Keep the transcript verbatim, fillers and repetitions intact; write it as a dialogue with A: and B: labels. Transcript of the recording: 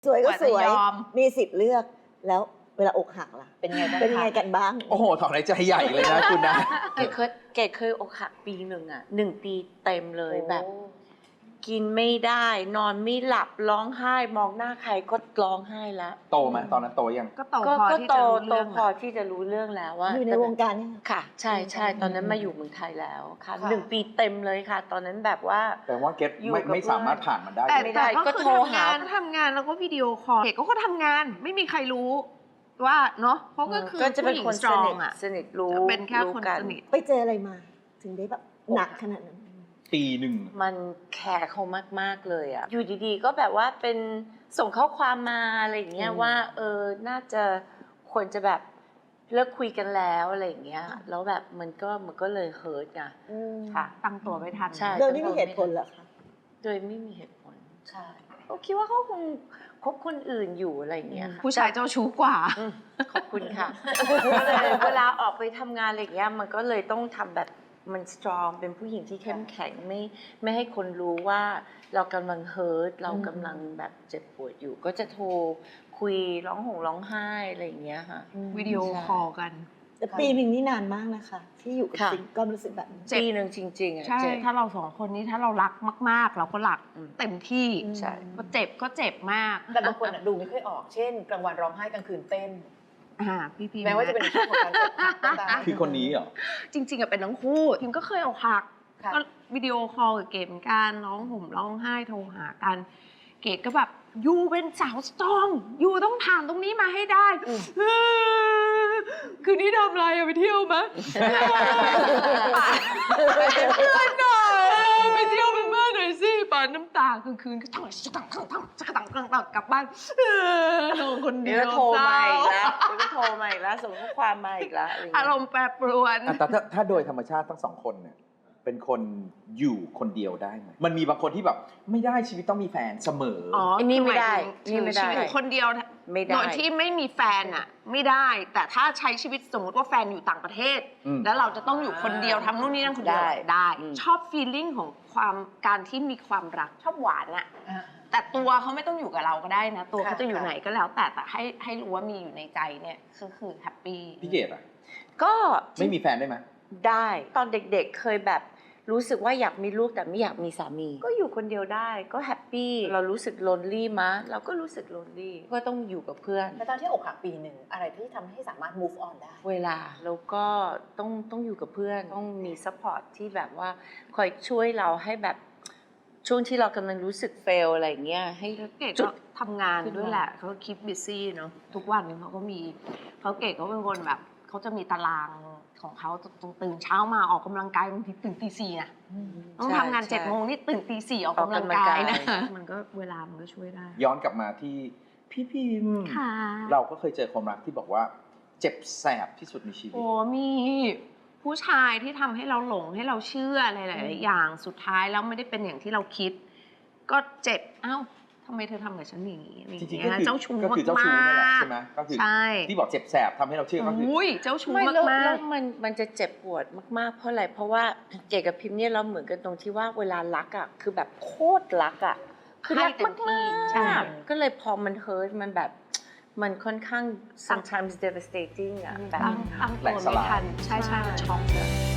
A: สวยก็สวย
B: ยอม
A: มีสิทธิ์เลือกแล้วเวลาอกหักล่ะ
C: เป็นไงบ้าง
A: เป็นยังไง
C: คะ
A: กันบ้าง
D: โอ้โหถอนหายใจใหญ่เลยนะคุณนะ
B: เกดเคยเกดเคยอกหักปีหนึ่งอ่ะหนึ่งปีเต็มเลยแบบ กินไม่ได้นอนไม่หลับร้องไห้มองหน้าใครก็ร้องไห้แล้ว
D: โตไหมตอนนั้นโตยัง
B: ก็โตพอที่จะรู้เรื่องโตพอที่จะรู้เรื่องแล้วว่า
A: อยู่ในวงการเนี่ย
B: ค่ะ ใช่ใช่ตอนนั้นมาอยู่เมืองไทยแล้วค่ะหนึ่งปีเต็มเลยค่ะ ตอนนั้นแบบว่า
D: แต่ว่าเก็ต
B: อยู่
D: ไม่
B: กับ
D: ไม่สามารถผ่านมันได้
B: แต่
D: เลย
B: ได้
E: แต่
B: ก็
E: ก็
B: โท
E: โท
B: ร
E: ร
B: หา
E: หาทำงานแล้วก็วิดีโอคอลเด็กก็ทำงานไม่มีใครรู้ว่าเนาะเพราะก็คือ
B: ก็จะเป็น
E: ผู้หญิง
B: คน
E: สตร
B: ส
E: อ
B: นิ
E: ง
B: ท
E: อ่ะ
B: สนิทรู้
E: เป็นแค่
B: รู้
E: คน
B: กั
E: สนิท
A: ไปเจออะไรมา ถึงได้แบบหนักขนาดนั้น
D: ปีหนึ่ง
B: มันแคร์เขามากๆเลยอ่ะอยู่ดีๆก็แบบว่าเป็นส่งข้อความมาอะไรอย่างเงี้ยว่าเออน่าจะควรจะแบบเลิกคุยกันแล้วอะไรอย่างเงี้ยแล้วแบบมันก็มันก็เลยเฮิร์ตไงค่ะ
E: ตั้งตัวไม่ทัน
B: ใช่
A: โดยไม่มีเหตุผลเหรอคะ
B: โดยไม่มีเหตุผลใช่เขาคิดว่าเขาคงคบคนอื่นอยู่อะไรอย่างเงี้ยค่ะ
E: ผู้ชายเจ้าชู้กว่า
B: อืมขอบคุณค่ะ ก็เลยเวลาออกไปทำงานอะไรอย่างเงี้ยมันก็เลยต้องทำแบบมันสตรองเป็นผู้หญิงที่เข้มแข็งไม่ไม่ให้คนรู้ว่าเรากำลังเฮิร์ตเรากำลังแบบเจ็บปวดอยู่ ก็จะโทรคุยร้องห่มร้องไห้อะไรอย่างเงี้ยค่ะ
E: วิดีโอคอลกัน
A: แต่ปีหนึ่งนี่นานมากนะคะ ที่อยู่กับ
B: ค่ะ
A: ซิงก็รู้สึกแบบนี้
B: ปีหนึ่งจริงๆอ่ะ
E: ใช่
B: เจ็บ
E: ถ้าเราสองคนนี้ถ้าเรารักมาก ๆ เราก็รัก
B: อืม
E: เต็มที่
B: ใช่
E: พอเจ็บก็เจ็บมาก
C: แต่บางคนอะดูไม่ค่อยออก เช่น กลางวันร้องไห้กลางคืนเต้น
E: อ่าพี่พี
C: แม้ว่าจะเป็นช่วงของการอกหักก็ตาม
D: คือคนนี้เหรอ
E: จริง ๆอะเป็นทั้งคู่พิมก็เคยอกหัก
C: ค่ะ
E: ก็วิดีโอคอลกับเกดเหมือนกันร้องห่มร้องไห้โทรหากัน เกดก็แบบยูเป็นสาวสตรองยูต้องผ่านตรงนี้มาให้ได้เออคืนนี้ทำอะไรอะไปเที่ยวไหมไปเพื่อนหน่อยไปเที่ยวเป็นเพื่อนหน่อยสิปานน้ำตากลางคืนก็ทั้งทั้งทั้งทั้งทั้งทั้งทั้งกลับบ้านเออนอนคนเดี
B: เดี๋
E: ย
B: ยว วโทรมาอีกแล้วเดี๋ยวก็โทรมาอีกแล้วส่งข้อความมาอีกแล้วอะไรอย่าง
E: อา
B: เงี้ย
E: รมณ์แปรปรวน
D: อ่ะแต่ถ้าถ้าโดยธรรมชาติทั้งสองคนเนี่ยเป็นคนอยู่คนเดียวได้ไหมมันมีบางคนที่แบบไม่ได้ชีวิตต้องมีแฟนเสมออ
E: อ๋อ
B: อันนี้ไม่ได้
E: คือหมายถึง
B: นี่ไม่ได้
E: ชีวิตอยู่คนเดียว
B: ไม่ได้
E: โดยที่ไม่มีแฟนอ่ะ ไม่ได้ แต่ถ้าใช้ชีวิตสมมติว่าแฟนอยู่ต่างประเทศ
D: อืม
E: แล้วเราจะต้องอยู่คนเดียวทำนู่นนี่นั่นคนเดียว
B: ได้
E: ได้
B: อืม
E: ชอบฟีลลิ่งของความการที่มีความรักชอบหวานอ่ะ
C: อ่า
E: แต่ตัวเขาไม่ต้องอยู่กับเราก็ได้นะ ตัว
C: ค่ะ
E: เขาจะอยู่
C: ค่ะ
E: ไหนก็แล้ว แต่แต่ให้ให้รู้ว่ามีอยู่ในใจเนี่ยคือคือแฮปปี้
D: พี่เกดอ่ะ
B: ก็
D: ไม่มีแฟนได้ไหม
B: ได้ตอนเด็กๆเคยแบบรู้สึกว่าอยากมีลูกแต่ไม่อยากมีสามี ก็อยู่คนเดียวได้ก็แฮปปี้เรารู้สึก lonely มะเราก็รู้สึก lonely ก็ต้องอยู่กับเพื่อน
C: แล้วตอนที่อกหักปีหนึ่งอะไรที่ทำให้สามารถ move on ได้
B: เวลาแล้วก็ต้องต้องอยู่กับเพื่อน ต้องมี support ที่แบบว่าคอยช่วยเราให้แบบช่วงที่เรากำลังรู้สึก fail อะไรอย่างเงี้ยให้
E: เกด
B: จุ
E: ก็
B: ด
E: ทำงานด้วยแหละเขาคิดบิซี่เนาะทุกวันเขาก็มีเขาเกดเขาเป็นคนแบบเขาจะมีตารางของเขาตื่นเช้ามาออกกำลังกายบางทีตื่นตีสี่นะต้องทำงานเจ็ดโมงนี่ตื่นตีสี่ออกกำลังกายนะมันก็เวลามันก็ช่วยได้
D: ย้อนกลับมาที่พี่พิมพ์
E: ค่ะ
D: เราก็เคยเจอความรักที่บอกว่าเจ็บแสบที่สุดในชีวิต
E: โอ้มีผู้ชายที่ทำให้เราหลงให้เราเชื่ออะไรหลายๆอย่างสุดท้ายแล้วไม่ได้เป็นอย่างที่เราคิด ก็เจ็บเอ้าทำไมเธอทำกับฉันอย่างนี้อะไรอ
D: จ
E: ย่าง
D: ริงๆ
E: เงี้
D: ก็
E: ย
D: คือ
E: เจ้าชู้
D: ก็คือเจ้าชู้นั่นแหละ
E: มาก
D: ใช่ไหมก็คือ
E: ใช่
D: ที่บอกเจ็บแสบทำให้เราเชื่อก็คือ
E: อุ้ยเจ้าชู้
B: ไม่
E: มาก
B: แล้ว
E: มา
B: แล้
E: ก
B: วมันมันจะเจ็บปวดมากๆ เพราะอะไรเพราะว่าเจกับพิมพ์เนี่ยเราเหมือนกันตรงที่ว่าเวลารักอ่ะคือแบบโคตรรักอ่ะคือรัก
E: ให้เต็มที่
B: มาก
E: ใช่
B: ๆก็เลยพอมันเฮิร์ตมันแบบมันค่อนข้าง sometimes devastating อ่ะแบบ
E: ตั้งตั้งตัวไม่ทันใช่ใช่มันช็อกเลย